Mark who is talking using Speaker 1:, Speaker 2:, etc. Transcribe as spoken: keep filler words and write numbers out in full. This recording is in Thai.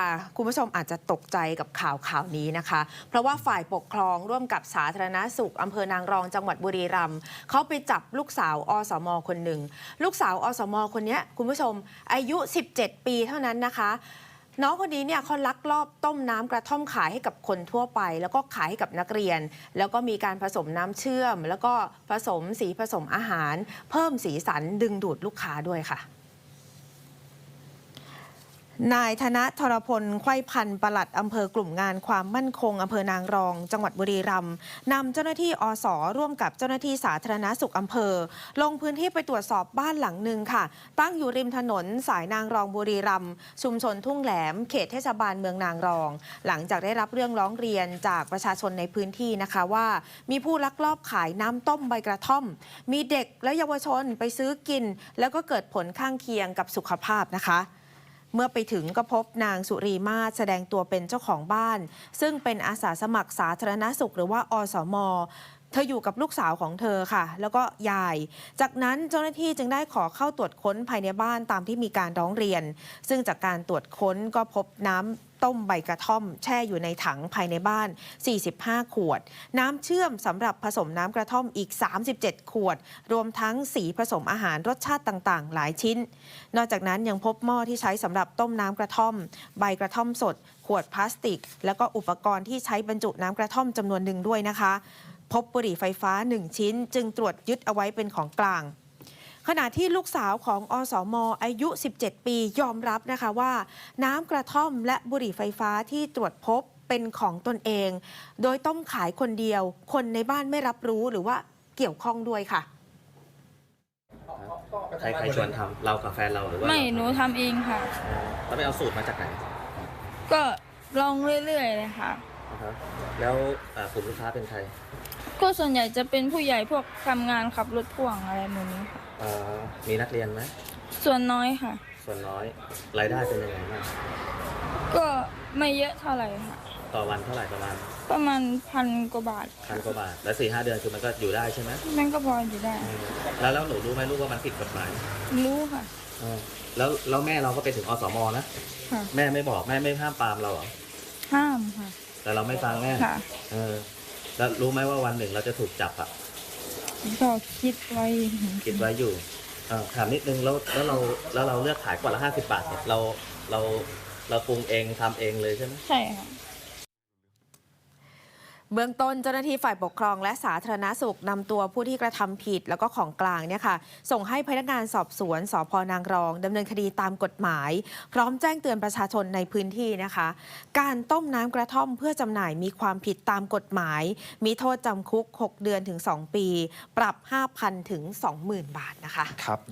Speaker 1: คุณผู้ชมอาจจะตกใจกับข่าวข่าวนี้นะคะเพราะว่าฝ่ายปกครองร่วมกับสาธารณสุขอำเภอนางรองจังหวัดบุรีรัมย์เขาไปจับลูกสาวอสม.คนหนึ่งลูกสาวอสม.คนนี้คุณผู้ชมอายุสิบเจ็ดปีเท่านั้นนะคะน้องคนนี้เนี่ยเขาลักลอบต้มน้ำกระท่อมขายให้กับคนทั่วไปแล้วก็ขายให้กับนักเรียนแล้วก็มีการผสมน้ำเชื่อมแล้วก็ผสมสีผสมอาหารเพิ่มสีสันดึงดูดลูกค้าด้วยค่ะนายธนทรพลไขว้พันธุ์ปลัดอำเภอกลุ่มงานความมั่นคงอำเภอนางรองจังหวัดบุรีรัมย์นำเจ้าหน้าที่อส.ร่วมกับเจ้าหน้าที่สาธารณสุขอำเภอลงพื้นที่ไปตรวจสอบบ้านหลังหนึ่งค่ะตั้งอยู่ริมถนนสายนางรองบุรีรัมย์ชุมชนทุ่งแหลมเขตเทศบาลเมืองนางรองหลังจากได้รับเรื่องร้องเรียนจากประชาชนในพื้นที่นะคะว่ามีผู้ลักลอบขายน้ำต้มใบกระท่อมมีเด็กและเยาวชนไปซื้อกินแล้วก็เกิดผลข้างเคียงกับสุขภาพนะคะเมื่อไปถึงก็พบนางสุรีมาศแสดงตัวเป็นเจ้าของบ้านซึ่งเป็นอาสาสมัครสาธารณสุขหรือว่าอสม.เธออยู่กับลูกสาวของเธอค่ะแล้วก็ยายจากนั้นเจ้าหน้าที่จึงได้ขอเข้าตรวจค้นภายในบ้านตามที่มีการร้องเรียนซึ่งจากการตรวจค้นก็พบน้ำต้มใบกระท่อมแช่อยู่ในถังภายในบ้านสี่สิบห้าขวดน้ำเชื่อมสำหรับผสมน้ำกระท่อมอีกสามสิบเจ็ดขวดรวมทั้งสีผสมอาหารรสชาติต่างๆหลายชิ้นนอกจากนั้นยังพบหม้อที่ใช้สำหรับต้มน้ำกระท่อมใบกระท่อมสดขวดพลาสติกแล้วก็อุปกรณ์ที่ใช้บรรจุน้ำกระท่อมจำนวนหนึ่งด้วยนะคะพบบุหรี่ไฟฟ้าหนึ่งชิ้นจึงตรวจยึดเอาไว้เป็นของกลางขณะที่ลูกสาวของอสม.อายุสิบเจ็ดปียอมรับนะคะว่าน้ำกระท่อมและบุหรี่ไฟฟ้าที่ตรวจพบเป็นของตนเองโดยต้มขายคนเดียวคนในบ้านไม่รับรู้หรือว่าเกี่ยวข้องด้วยค่ะ
Speaker 2: ใครใครชวนทำเรากับแฟนเราหรือว่า
Speaker 3: ไม่หนูทำเองค่ะ
Speaker 2: แล้วไปเอาสูตรมาจากไหน
Speaker 3: ก็ลองเรื่อยๆเลยค่ะ
Speaker 2: แล้วกลุ่มลูกค้าเป็นใคร
Speaker 3: ก็ส่วนใหญ่จะเป็นผู้ใหญ่พวกทำงานขับรถพ่วงอะไรแบบนี้ค่ะ
Speaker 2: มีนักเรียนไหม
Speaker 3: ส่วนน้อยค่ะ
Speaker 2: ส่วนน้อยรายได้เป็นยังไงบ้าง
Speaker 3: ก็ไม่เยอะเท่าไหร่ค่ะ
Speaker 2: ต่อวันเท่าไหร่ประมาณ
Speaker 3: ประมาณพันกว่าบาท
Speaker 2: พันกว่าบาทแล้วสี่ห้าเดือนคือมันก็อยู่ได้ใช่ไหม
Speaker 3: มันก็พออยู่ได้
Speaker 2: แล้วแล้วหนูรู้ไหมลูกว่ามันผิดกฎหมาย
Speaker 3: รู้ค่ะ
Speaker 2: แล้วแล้วแม่เราก็ไปถึงอสม.นะแม่ไม่บอกแม่ไม่ห้ามปรามเราเหรอ
Speaker 3: ห้ามค่ะ
Speaker 2: แต่เราไม่ฟังแม่เออแล้วรู้ไหมว่าวันหนึ่งเราจะถูกจับอ่ะ
Speaker 3: ก็คิดไว้
Speaker 2: คิดไว้อยู่ถามนิดนึงแล้วแล้วเราแล้วเราเลือกขายกว่าละห้าสิบบาทเนี่ยเราเราเราปรุงเองทำเองเลยใช่ไหม
Speaker 3: ใช่ค่ะ
Speaker 1: เบื้องต้นเจ้าหน้าที่ฝ่ายปกครองและสาธารณสุขนำตัวผู้ที่กระทำผิดแล้วก็ของกลางเนี่ยค่ะส่งให้พนักงานสอบสวนสภ.นางรองดำเนินคดีตามกฎหมายพร้อมแจ้งเตือนประชาชนในพื้นที่นะคะการต้มน้ำกระท่อมเพื่อจำหน่ายมีความผิดตามกฎหมายมีโทษจำคุกหกเดือนถึงสองปีปรับ ห้าพัน ถึง สองหมื่น บาทนะคะ